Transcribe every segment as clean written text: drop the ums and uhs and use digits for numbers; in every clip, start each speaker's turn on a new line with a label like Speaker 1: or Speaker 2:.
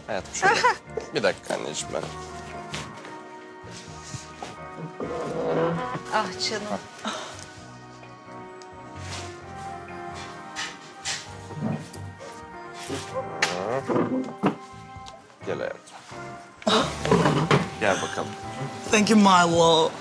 Speaker 1: Hayatım şöyle. Bir dakika anneciğim ben.
Speaker 2: Ah canım.
Speaker 1: Gel hayatım. Gel bakalım.
Speaker 3: Thank you, my love.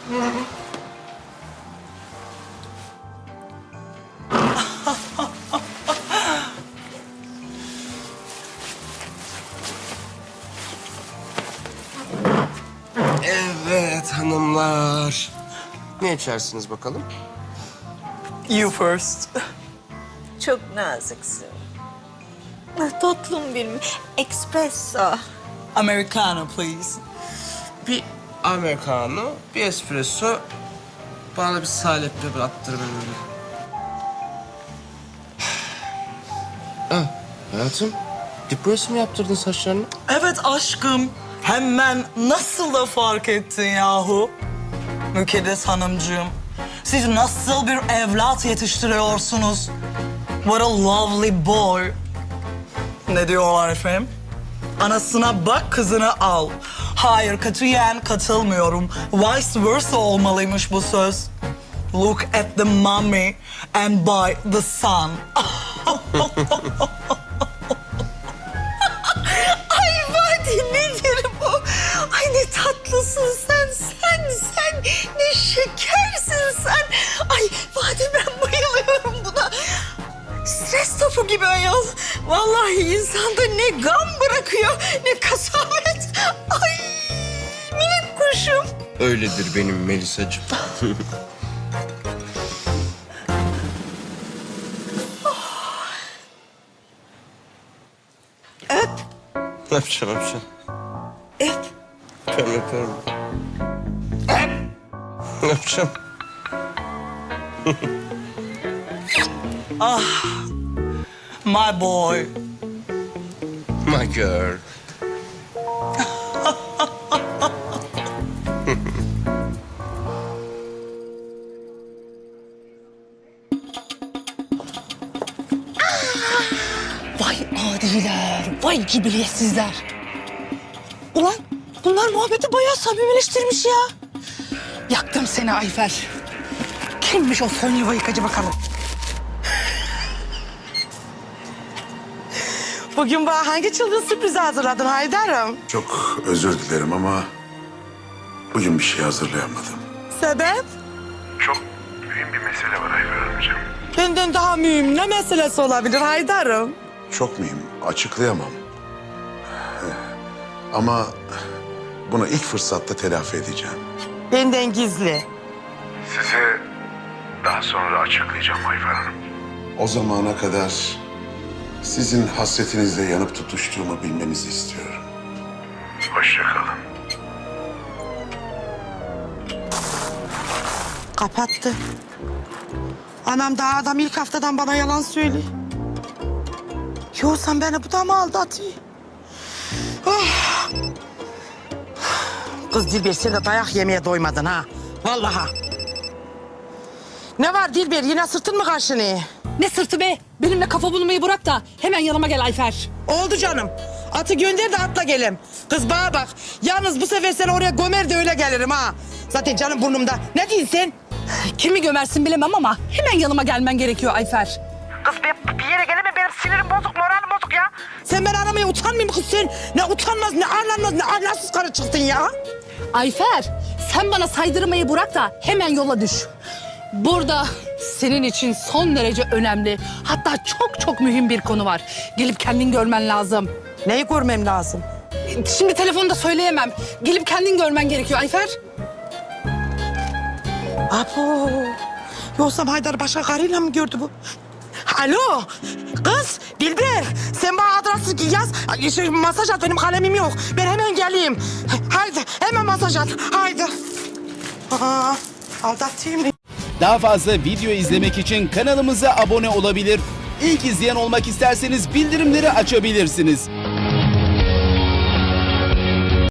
Speaker 1: Evet hanımlar. Ne içersiniz bakalım?
Speaker 3: You first.
Speaker 2: Çok naziksin. Ah, tatlım benim. Espresso.
Speaker 3: Americano, please.
Speaker 1: Bir americano, bir espresso. Bana bir salepli bir attır beni. Ah, hayatım. Depresyon mi yaptırdın saçlarını?
Speaker 3: Evet aşkım. Hemen nasıl da fark ettin yahu? Mükeddes hanımcığım. Siz nasıl bir evlat yetiştiriyorsunuz? What a lovely boy. Ne diyorlar efendim? Anasına bak, kızını al. Hayır, katiyen katılmıyorum. Vice versa olmalıymış bu söz. Look at the mommy and buy the son.
Speaker 2: Ay Vadi nedir bu? Ay ne tatlısın sen. Ne şekersin sen. Ay Vadi ben bayılıyorum buna. Stres topu gibi ayol. Vallahi insanda ne gam bırakıyor ne kasavet. Ay minik kuşum.
Speaker 1: Öyledir benim Melisacığım.
Speaker 2: Öp.
Speaker 1: Öpeceğim.
Speaker 2: Öp.
Speaker 1: Öpüyorum. Öpeceğim.
Speaker 3: My boy.
Speaker 1: My girl.
Speaker 3: Vay adiler, vay cibiliyetsizler. Ulan bunlar muhabbeti bayağı samimileştirmiş ya. Yaktım seni Ayfer. Kimmiş o son yuva yıkacı bakalım. Bugün bana hangi çılgın sürprizi hazırladın Haydar'ım?
Speaker 4: Çok özür dilerim ama bugün bir şey hazırlayamadım.
Speaker 3: Sebep?
Speaker 4: Çok mühim bir mesele var Ayfer Hanımcığım.
Speaker 3: Benden daha mühim ne meselesi olabilir Haydar'ım?
Speaker 4: Çok mühim, açıklayamam. Ama bunu ilk fırsatta telafi edeceğim.
Speaker 3: Benden gizli.
Speaker 4: Size daha sonra açıklayacağım Ayfer Hanım. O zamana kadar sizin hasretinizle yanıp tutuştuğumu bilmenizi istiyorum. Hoşça kalın.
Speaker 3: Kapattı. Anam daha adam ilk haftadan bana yalan söylüyor. Yo sen beni bu da mı aldatıyor? Oh. Kız Dilber sen de dayak yemeye doymadın ha. Vallahi. Ne var Dilber yine sırtın mı kaşınıyor?
Speaker 5: Ne sırtı be? Benimle kafa bulmayı bırak da hemen yanıma gel Ayfer.
Speaker 3: Oldu canım. Atı gönder de atla gelem. Kız bana bak. Yalnız bu sefer seni oraya gömer de öyle gelirim ha. Zaten canım burnumda. Ne diyorsun sen?
Speaker 5: Kimi gömersin bilemem ama hemen yanıma gelmen gerekiyor Ayfer.
Speaker 3: Kız ben bir yere gelemem. Benim sinirim bozuk, moralim bozuk ya. Sen beni aramaya utanmıyor musun kız sen? Ne utanmaz, ne arlanmaz, ne ahlaksız karı çıktın ya.
Speaker 5: Ayfer, sen bana saydırmayı bırak da hemen yola düş. Burada senin için son derece önemli, hatta çok mühim bir konu var. Gelip kendin görmen lazım.
Speaker 3: Neyi görmem lazım?
Speaker 5: Şimdi telefonda söyleyemem. Gelip kendin görmen gerekiyor Ayfer.
Speaker 3: Apo. Yoksa Haydar başka karıyla mı gördü bu? Alo. Kız Dilber. Sen bana adresi yaz. Masaj at benim kalemim yok. Ben hemen geleyim. Haydi hemen masaj at. Haydi. Aa, aldatayım.
Speaker 6: Daha fazla video izlemek için kanalımıza abone olabilir. İlk izleyen olmak isterseniz bildirimleri açabilirsiniz.